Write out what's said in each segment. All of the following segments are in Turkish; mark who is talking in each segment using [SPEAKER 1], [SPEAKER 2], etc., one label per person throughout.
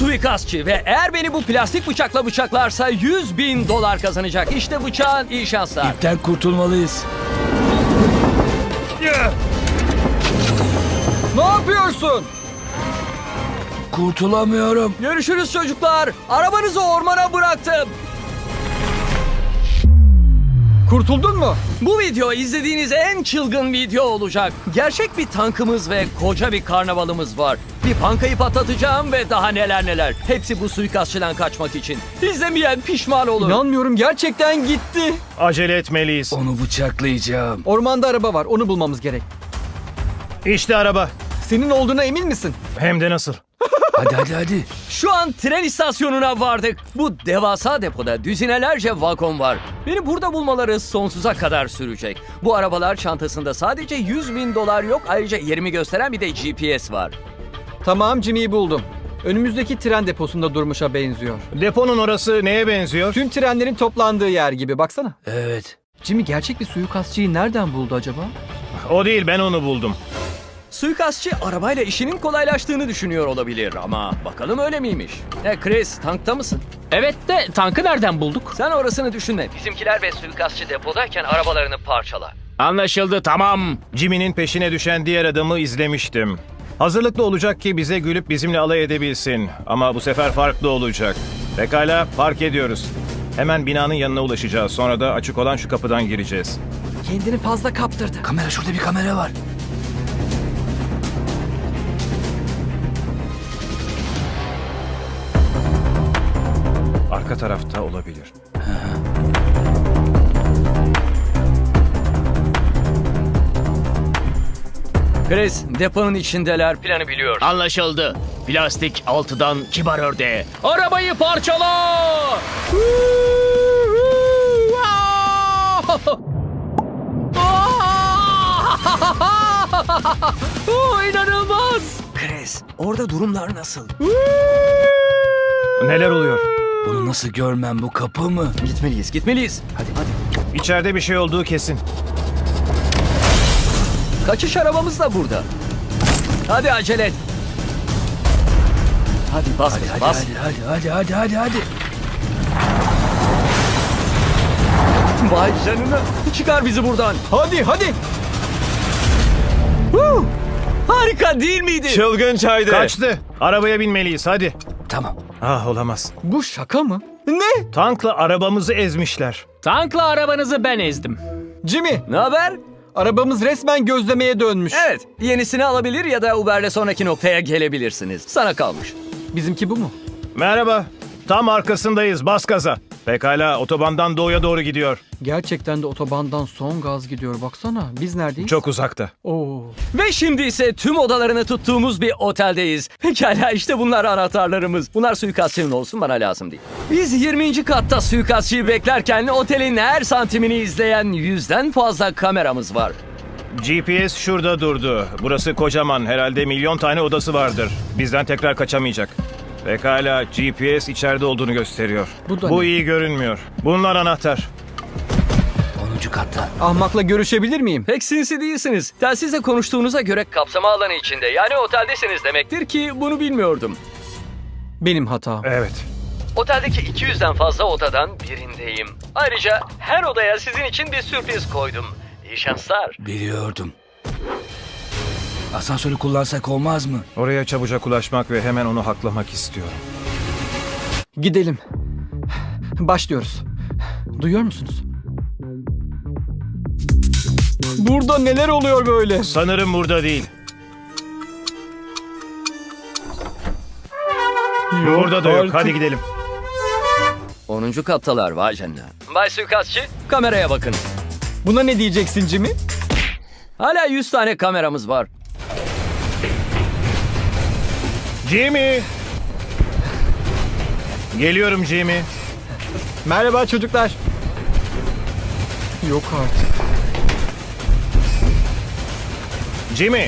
[SPEAKER 1] suikastçı ve eğer beni bu plastik bıçakla bıçaklarsa $100.000 kazanacak. İşte bıçağın, iyi şanslar.
[SPEAKER 2] İpten kurtulmalıyız.
[SPEAKER 3] Ne yapıyorsun?
[SPEAKER 2] Kurtulamıyorum.
[SPEAKER 1] Görüşürüz çocuklar. Arabanızı ormana bıraktım.
[SPEAKER 3] Kurtuldun mu?
[SPEAKER 1] Bu video izlediğiniz en çılgın video olacak. Gerçek bir tankımız ve koca bir karnavalımız var. Bir bankayı patlatacağım ve daha neler neler. Hepsi bu suikastçıdan kaçmak için. İzlemeyen pişman olur.
[SPEAKER 3] İnanmıyorum, gerçekten gitti.
[SPEAKER 4] Acele etmeliyiz.
[SPEAKER 2] Onu bıçaklayacağım.
[SPEAKER 3] Ormanda araba var, onu bulmamız gerek.
[SPEAKER 4] İşte araba.
[SPEAKER 3] Senin olduğuna emin misin?
[SPEAKER 4] Hem de nasıl?
[SPEAKER 2] Hadi.
[SPEAKER 1] Şu an tren istasyonuna vardık. Bu devasa depoda düzinelerce vagon var. Beni burada bulmaları sonsuza kadar sürecek. Bu arabalar çantasında sadece $100.000 yok. Ayrıca yerimi gösteren bir de GPS var.
[SPEAKER 3] Tamam, Jimmy'yi buldum. Önümüzdeki tren deposunda durmuşa benziyor.
[SPEAKER 4] Deponun orası neye benziyor?
[SPEAKER 3] Tüm trenlerin toplandığı yer gibi, baksana.
[SPEAKER 2] Evet.
[SPEAKER 3] Jimmy gerçek bir suikastçıyı nereden buldu acaba?
[SPEAKER 4] O değil, ben onu buldum.
[SPEAKER 1] Suikastçı arabayla işinin kolaylaştığını düşünüyor olabilir ama bakalım öyle miymiş? Chris, tankta mısın?
[SPEAKER 5] Evet de tankı nereden bulduk?
[SPEAKER 1] Sen orasını düşünme. Bizimkiler ve suikastçı depodayken arabalarını parçala.
[SPEAKER 5] Anlaşıldı, tamam.
[SPEAKER 4] Jimmy'nin peşine düşen diğer adamı izlemiştim. Hazırlıklı olacak ki bize gülüp bizimle alay edebilsin. Ama bu sefer farklı olacak. Pekala, park ediyoruz. Hemen binanın yanına ulaşacağız. Sonra da açık olan şu kapıdan gireceğiz.
[SPEAKER 3] Kendini fazla kaptırdı.
[SPEAKER 2] Kamera, şurada bir kamera var.
[SPEAKER 4] Arka tarafta olabilir.
[SPEAKER 1] Chris, deponun içindeler. Planı biliyor.
[SPEAKER 5] Anlaşıldı. Plastik altıdan kibar ördeğe. Arabayı parçala!
[SPEAKER 1] İnanılmaz. Chris, orada durumlar nasıl?
[SPEAKER 4] Neler oluyor?
[SPEAKER 2] Bunu nasıl görmem, bu kapı mı?
[SPEAKER 1] Gitmeliyiz. Hadi.
[SPEAKER 4] İçeride bir şey olduğu kesin.
[SPEAKER 1] Kaçış arabamız da burada. Hadi acele et. Hadi bas, bas.
[SPEAKER 2] Hadi.
[SPEAKER 1] Vay canına. Çıkar bizi buradan.
[SPEAKER 3] Hadi.
[SPEAKER 1] Harika değil miydi?
[SPEAKER 4] Çılgın çaydı. Kaçtı. Arabaya binmeliyiz, hadi.
[SPEAKER 2] Tamam.
[SPEAKER 4] Ah, olamaz.
[SPEAKER 3] Bu şaka mı? Ne?
[SPEAKER 4] Tankla arabamızı ezmişler.
[SPEAKER 5] Tankla arabanızı ben ezdim.
[SPEAKER 3] Jimmy,
[SPEAKER 1] Ne haber?
[SPEAKER 3] arabamız resmen gözlemeye dönmüş.
[SPEAKER 1] Evet. Yenisini alabilir ya da Uber'le sonraki noktaya gelebilirsiniz. Sana kalmış.
[SPEAKER 3] Bizimki bu mu?
[SPEAKER 4] Merhaba. Tam arkasındayız, bas gaza. Pekala, otobandan doğuya doğru gidiyor.
[SPEAKER 3] Gerçekten de otobandan son gaz gidiyor, baksana. Biz neredeyiz?
[SPEAKER 4] Çok uzakta.
[SPEAKER 3] Oo.
[SPEAKER 1] Ve şimdi ise tüm odalarını tuttuğumuz bir oteldeyiz. Pekala, işte bunlar anahtarlarımız. Bunlar suikastçının olsun, bana lazım değil. Biz 20. katta suikastçıyı beklerken otelin her santimini izleyen 100'den fazla kameramız var.
[SPEAKER 4] GPS şurada durdu. Burası kocaman, herhalde milyon tane odası vardır. Bizden tekrar kaçamayacak. Pekala, GPS içeride olduğunu gösteriyor.
[SPEAKER 3] Bu da
[SPEAKER 4] Bu
[SPEAKER 3] ne?
[SPEAKER 4] iyi görünmüyor. Bunlar anahtar.
[SPEAKER 2] 10. katta.
[SPEAKER 3] Ahmakla görüşebilir miyim?
[SPEAKER 1] Pek sinsi değilsiniz. Telsizle konuştuğunuza göre kapsama alanı içinde, yani oteldesiniz demektir ki bunu bilmiyordum.
[SPEAKER 3] Benim hatam.
[SPEAKER 4] Evet.
[SPEAKER 1] Oteldeki 200'den fazla odadan birindeyim. Ayrıca her odaya sizin için bir sürpriz koydum. İyi şanslar.
[SPEAKER 2] Biliyordum. Asansörü kullansak olmaz mı?
[SPEAKER 4] Oraya çabucak ulaşmak ve hemen onu haklamak istiyorum.
[SPEAKER 3] Gidelim. Başlıyoruz. Duyuyor musunuz? Burada neler oluyor böyle?
[SPEAKER 4] Sanırım burada değil. Burada da yok.
[SPEAKER 3] artık.
[SPEAKER 4] Hadi gidelim.
[SPEAKER 1] 10. kattalar, vay canına. Bay suikastçı, kameraya bakın.
[SPEAKER 3] Buna ne diyeceksin Jimmy?
[SPEAKER 1] Hala 100 tane kameramız var.
[SPEAKER 4] Jimmy! Geliyorum Jimmy.
[SPEAKER 3] Merhaba çocuklar. Yok artık.
[SPEAKER 4] Jimmy!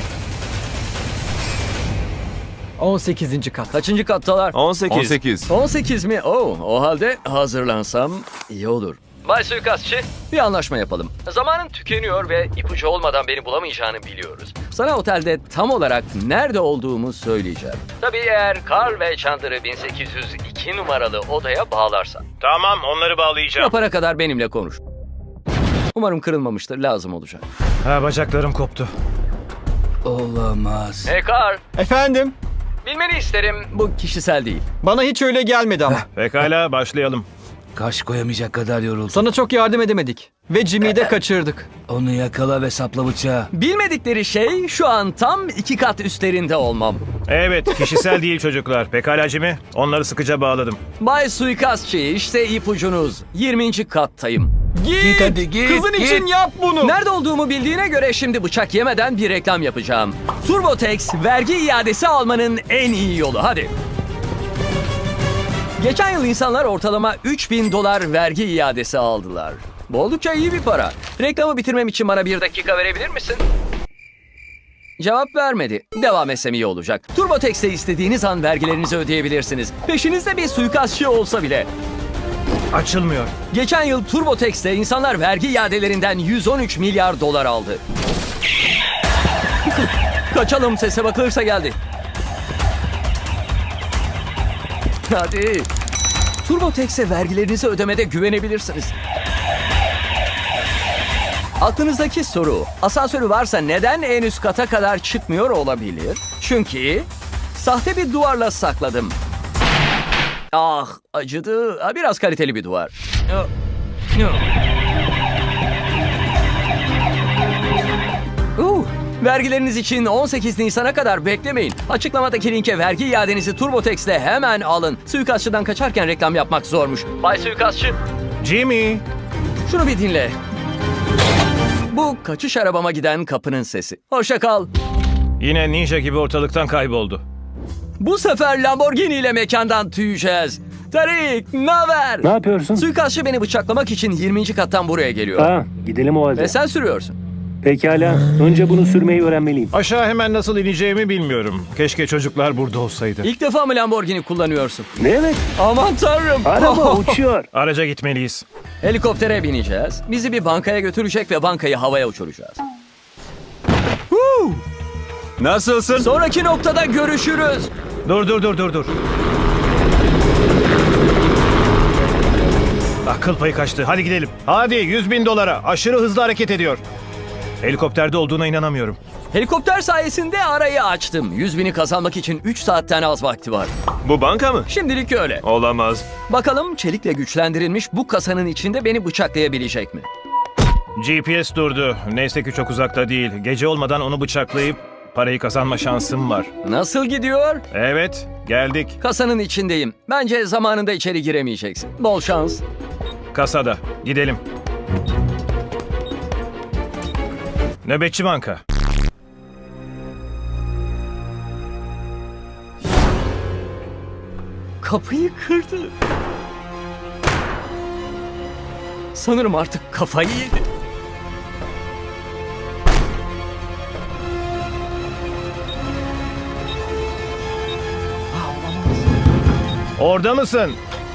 [SPEAKER 3] 18. kat.
[SPEAKER 1] Kaçıncı kattalar?
[SPEAKER 6] 18.
[SPEAKER 1] 18 mi? Oo, o halde hazırlansam iyi olur. Bay Suikastçı, bir anlaşma yapalım. Zamanın tükeniyor ve ipucu olmadan beni bulamayacağını biliyoruz. Sana otelde tam olarak nerede olduğumu söyleyeceğim. Tabii eğer Carl ve Chandler'ı 1802 numaralı odaya bağlarsan.
[SPEAKER 4] Tamam, onları bağlayacağım.
[SPEAKER 1] Yapana kadar benimle konuş. Umarım kırılmamıştır, lazım olacak.
[SPEAKER 4] Ha, bacaklarım koptu.
[SPEAKER 2] Olamaz.
[SPEAKER 1] Hey Carl,
[SPEAKER 3] Efendim?
[SPEAKER 1] bilmeni isterim. Bu kişisel değil.
[SPEAKER 3] Bana hiç öyle gelmedi ama.
[SPEAKER 4] Pekala, başlayalım.
[SPEAKER 2] Kaş koyamayacak kadar yoruldum.
[SPEAKER 3] Sana çok yardım edemedik. Ve Jimmy'yi de kaçırdık.
[SPEAKER 2] Onu yakala ve sapla bıçağı.
[SPEAKER 1] Bilmedikleri şey şu an tam 2 kat üstlerinde olmam.
[SPEAKER 4] Evet, kişisel değil çocuklar. Pekala Jimmy, onları sıkıca bağladım.
[SPEAKER 1] Bay Suikastçı, işte ipucunuz. 20. kattayım.
[SPEAKER 3] Git!
[SPEAKER 2] hadi, git,
[SPEAKER 3] Kızın
[SPEAKER 2] git.
[SPEAKER 3] için yap bunu!
[SPEAKER 1] Nerede olduğumu bildiğine göre şimdi bıçak yemeden bir reklam yapacağım. TurboTax vergi iadesi almanın en iyi yolu. Hadi. Geçen yıl insanlar ortalama $3.000 vergi iadesi aldılar. Bu oldukça iyi bir para. Reklamı bitirmem için bana 1 dakika verebilir misin? Cevap vermedi. Devam etsem iyi olacak. TurboTax'te istediğiniz an vergilerinizi ödeyebilirsiniz. Peşinizde bir suikastçı olsa bile.
[SPEAKER 4] Açılmıyor.
[SPEAKER 1] Geçen yıl TurboTax'te insanlar vergi iadelerinden $113 milyar aldı. Kaçalım, sese bakılırsa geldi. Hadi. TurboTax'e vergilerinizi ödemede güvenebilirsiniz. Aklınızdaki soru, asansörü varsa neden en üst kata kadar çıkmıyor olabilir? Çünkü sahte bir duvarla sakladım. Ah, acıdı. Biraz kaliteli bir duvar. Vergileriniz için 18 Nisan'a kadar beklemeyin. Açıklamadaki linke vergi iadenizi TurboTax'le hemen alın. Suikastçıdan kaçarken reklam yapmak zormuş. Bay Suikastçı,
[SPEAKER 4] Jimmy!
[SPEAKER 1] şunu bir dinle. Bu kaçış arabama giden kapının sesi. Hoşça kal.
[SPEAKER 4] Yine ninja gibi ortalıktan kayboldu.
[SPEAKER 1] Bu sefer Lamborghini ile mekandan tüyeceğiz. Tarik, naber?
[SPEAKER 6] Ne yapıyorsun?
[SPEAKER 1] Suikastçı beni bıçaklamak için 20. kattan buraya geliyor.
[SPEAKER 6] Ha, gidelim o halde.
[SPEAKER 1] Ve sen sürüyorsun.
[SPEAKER 6] Pekala. Önce bunu sürmeyi öğrenmeliyim.
[SPEAKER 4] Aşağı hemen nasıl ineceğimi bilmiyorum. Keşke çocuklar burada olsaydı.
[SPEAKER 1] İlk defa mı Lamborghini kullanıyorsun?
[SPEAKER 6] Ne demek?
[SPEAKER 1] Aman tanrım.
[SPEAKER 6] Araba uçuyor.
[SPEAKER 4] Araca gitmeliyiz.
[SPEAKER 1] Helikoptere bineceğiz. Bizi bir bankaya götürecek ve bankayı havaya uçuracağız.
[SPEAKER 3] Nasılsın?
[SPEAKER 1] Sonraki noktada görüşürüz.
[SPEAKER 4] Dur. Akıl payı kaçtı. Hadi gidelim. Hadi $100.000. Aşırı hızlı hareket ediyor. Helikopterde olduğuna inanamıyorum.
[SPEAKER 1] Helikopter sayesinde arayı açtım. 100.000'i kazanmak için 3 saatten az vakti var.
[SPEAKER 7] Bu banka mı?
[SPEAKER 1] Şimdilik öyle.
[SPEAKER 7] Olamaz.
[SPEAKER 1] Bakalım çelikle güçlendirilmiş bu kasanın içinde beni bıçaklayabilecek mi?
[SPEAKER 4] GPS durdu. Neyse ki çok uzakta değil. Gece olmadan onu bıçaklayıp parayı kazanma şansım var.
[SPEAKER 1] Nasıl gidiyor?
[SPEAKER 4] Evet, geldik.
[SPEAKER 1] Kasanın içindeyim. Bence zamanında içeri giremeyeceksin. Bol şans.
[SPEAKER 4] Kasada. Gidelim. Nöbetçi banka.
[SPEAKER 1] Kapıyı kırdı. Sanırım artık kafayı yedi.
[SPEAKER 4] Orada mısın?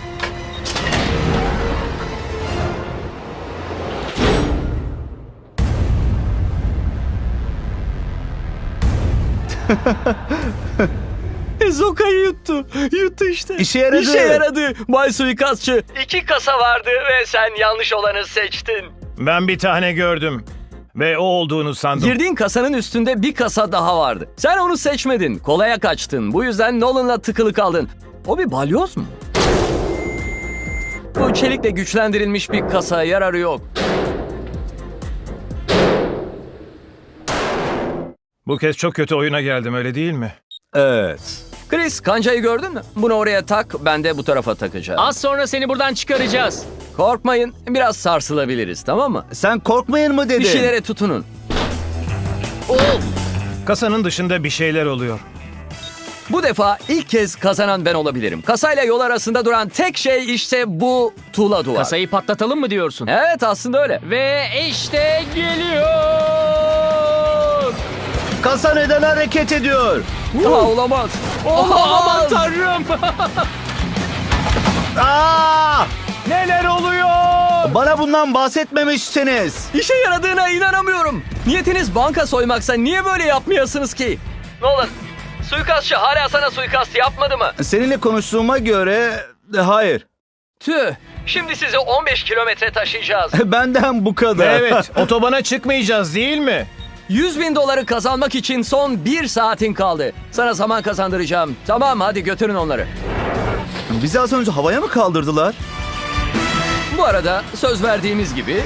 [SPEAKER 1] Zoka'yı yuttu. Yuttu işte.
[SPEAKER 7] İşe yaradı.
[SPEAKER 1] İşe yaradı. Bay Suikastçı. 2 kasa vardı ve sen yanlış olanı seçtin.
[SPEAKER 4] Ben bir tane gördüm. Ve o olduğunu sandım.
[SPEAKER 1] Girdiğin kasanın üstünde bir kasa daha vardı. Sen onu seçmedin. Kolaya kaçtın. Bu yüzden Nolan'la tıkılı kaldın. O bir balyoz mu? Bu çelikle güçlendirilmiş bir kasa, yararı yok.
[SPEAKER 4] Bu kez çok kötü oyuna geldim, öyle değil mi?
[SPEAKER 7] Evet.
[SPEAKER 1] Chris, kancayı gördün mü? Bunu oraya tak, ben de bu tarafa takacağım.
[SPEAKER 5] Az sonra seni buradan çıkaracağız.
[SPEAKER 1] Korkmayın, biraz sarsılabiliriz, tamam mı?
[SPEAKER 7] Sen korkmayın mı dedin?
[SPEAKER 1] Bir şeylere tutunun.
[SPEAKER 4] Kasanın dışında bir şeyler oluyor.
[SPEAKER 1] Bu defa ilk kez kazanan ben olabilirim. Kasayla yol arasında duran tek şey işte bu tuğla duvar.
[SPEAKER 5] Kasayı patlatalım mı diyorsun?
[SPEAKER 1] Evet, aslında öyle.
[SPEAKER 5] Ve işte geliyor.
[SPEAKER 7] Kasa neden hareket ediyor?
[SPEAKER 1] Olamaz.
[SPEAKER 5] Aman tanrım.
[SPEAKER 7] Aa!
[SPEAKER 4] Neler oluyor?
[SPEAKER 7] Bana bundan bahsetmemişsiniz.
[SPEAKER 1] İşe yaradığına inanamıyorum. Niyetiniz banka soymaksa niye böyle yapmayasınız ki? Nolan, suikastçı hala sana suikast yapmadı mı?
[SPEAKER 7] Seninle konuştuğuma göre hayır.
[SPEAKER 1] Tüh, şimdi sizi 15 kilometre taşıyacağız.
[SPEAKER 7] Benden bu kadar.
[SPEAKER 4] Evet, otobana çıkmayacağız değil mi?
[SPEAKER 1] 100.000 doları kazanmak için son 1 saatin kaldı. Sana zaman kazandıracağım. Tamam, hadi götürün onları.
[SPEAKER 7] Bizi az önce havaya mı kaldırdılar?
[SPEAKER 1] Bu arada söz verdiğimiz gibi...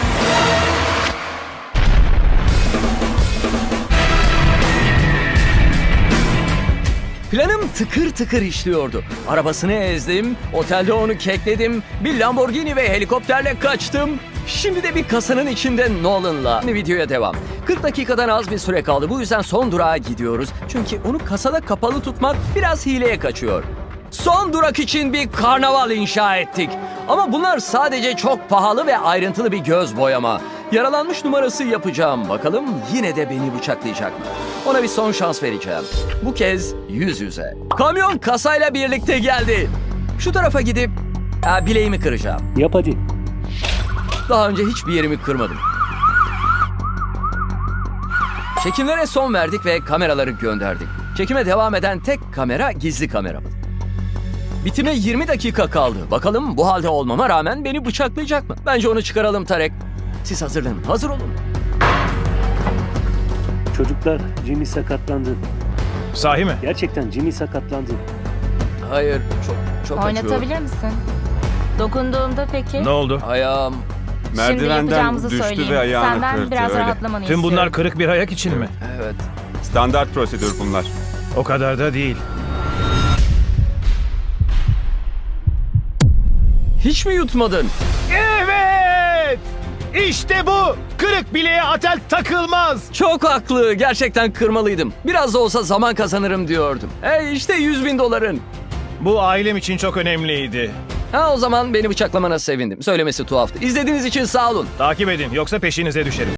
[SPEAKER 1] Planım tıkır tıkır işliyordu. Arabasını ezdim, otelde onu kekledim, bir Lamborghini ve helikopterle kaçtım. Şimdi de bir kasanın içinde Nolan'la. Videoya devam. 40 dakikadan az bir süre kaldı. Bu yüzden son durağa gidiyoruz. Çünkü onu kasada kapalı tutmak biraz hileye kaçıyor. Son durak için bir karnaval inşa ettik. Ama bunlar sadece çok pahalı ve ayrıntılı bir göz boyama. Yaralanmış numarası yapacağım. Bakalım yine de beni bıçaklayacak mı? Ona bir son şans vereceğim. Bu kez yüz yüze. Kamyon kasayla birlikte geldi. Şu tarafa gidip bileğimi kıracağım.
[SPEAKER 6] Yap hadi.
[SPEAKER 1] Daha önce hiçbir yerimi kırmadım. Çekimlere son verdik ve kameraları gönderdik. Çekime devam eden tek kamera gizli kameramız. Bitime 20 dakika kaldı. Bakalım bu halde olmama rağmen beni bıçaklayacak mı? Bence onu çıkaralım Tarek. Siz hazırlanın. Hazır olun.
[SPEAKER 6] Çocuklar, Jimmy sakatlandı.
[SPEAKER 4] Sahi mi?
[SPEAKER 6] Gerçekten Jimmy sakatlandı.
[SPEAKER 1] Hayır, çok acıyor.
[SPEAKER 8] Oynatabilir misin? Dokunduğumda peki?
[SPEAKER 4] Ne oldu?
[SPEAKER 1] Ayağım.
[SPEAKER 8] Şimdi
[SPEAKER 9] Merdivenden
[SPEAKER 8] yapacağımızı
[SPEAKER 9] düştü
[SPEAKER 8] söyleyeyim.
[SPEAKER 9] ve ayağını
[SPEAKER 8] Senden
[SPEAKER 9] kırdı.
[SPEAKER 8] biraz
[SPEAKER 9] Öyle.
[SPEAKER 8] rahatlamanı
[SPEAKER 4] Tüm
[SPEAKER 8] istiyorum.
[SPEAKER 4] bunlar kırık bir ayak için mi?
[SPEAKER 1] Evet.
[SPEAKER 9] Standart prosedür bunlar.
[SPEAKER 4] O kadar da değil.
[SPEAKER 1] Hiç mi yutmadın?
[SPEAKER 4] Evet! İşte bu! Kırık bileğe atel takılmaz!
[SPEAKER 1] Çok haklı. Gerçekten kırmalıydım. Biraz da olsa zaman kazanırım diyordum. İşte 100.000 doların.
[SPEAKER 4] Bu ailem için çok önemliydi.
[SPEAKER 1] O zaman beni bıçaklamana sevindim. Söylemesi tuhaftı. İzlediğiniz için sağ olun.
[SPEAKER 4] Takip edin yoksa peşinize düşerim.